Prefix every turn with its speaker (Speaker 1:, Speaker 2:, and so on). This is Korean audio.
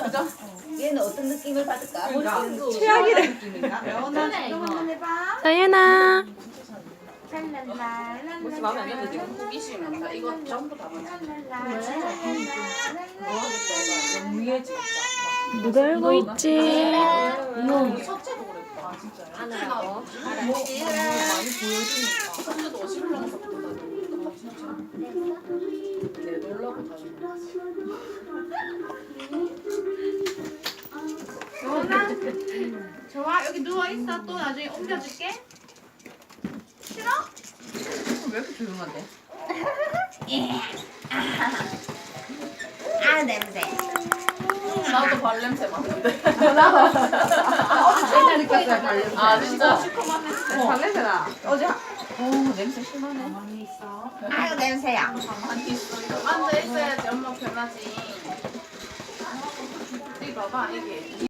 Speaker 1: 그죠?
Speaker 2: 얘는 어떤 느낌을 받을까?
Speaker 3: 최악이래.
Speaker 4: 연아 이거 한번 해봐.
Speaker 3: 다현아.
Speaker 1: 혹시 마음에 안 드는데 지금 호기심이 나 이거 전부 다 맞아. 위에 진짜.
Speaker 3: 누가 알고 있지?
Speaker 1: 이거 첫째도 그랬다. 아 진짜요? 하나라고. 알았지. 많이 보여주니까. 첫째도 어시블랑서 보다니까 진짜. 내 놀라고 다니는.
Speaker 4: 연아 좋아 여기 누워 있어. 또 나중에 옮겨줄게. 싫어?
Speaker 1: 왜 이렇게 조용한데?
Speaker 2: 아 냄새.
Speaker 1: 나도 발냄새 맡는데.
Speaker 2: 어제 느꼈어요 발냄새.
Speaker 1: 아 진짜?
Speaker 4: 시커먼 냄새.
Speaker 2: 발냄새나. 어제
Speaker 1: 오 냄새 심하네.
Speaker 4: 가만히 있어.
Speaker 2: 아유 냄새야.
Speaker 1: 가만히 있어. 이거 앉아 있어야지 엄마 편하지. 이 봐봐 이게.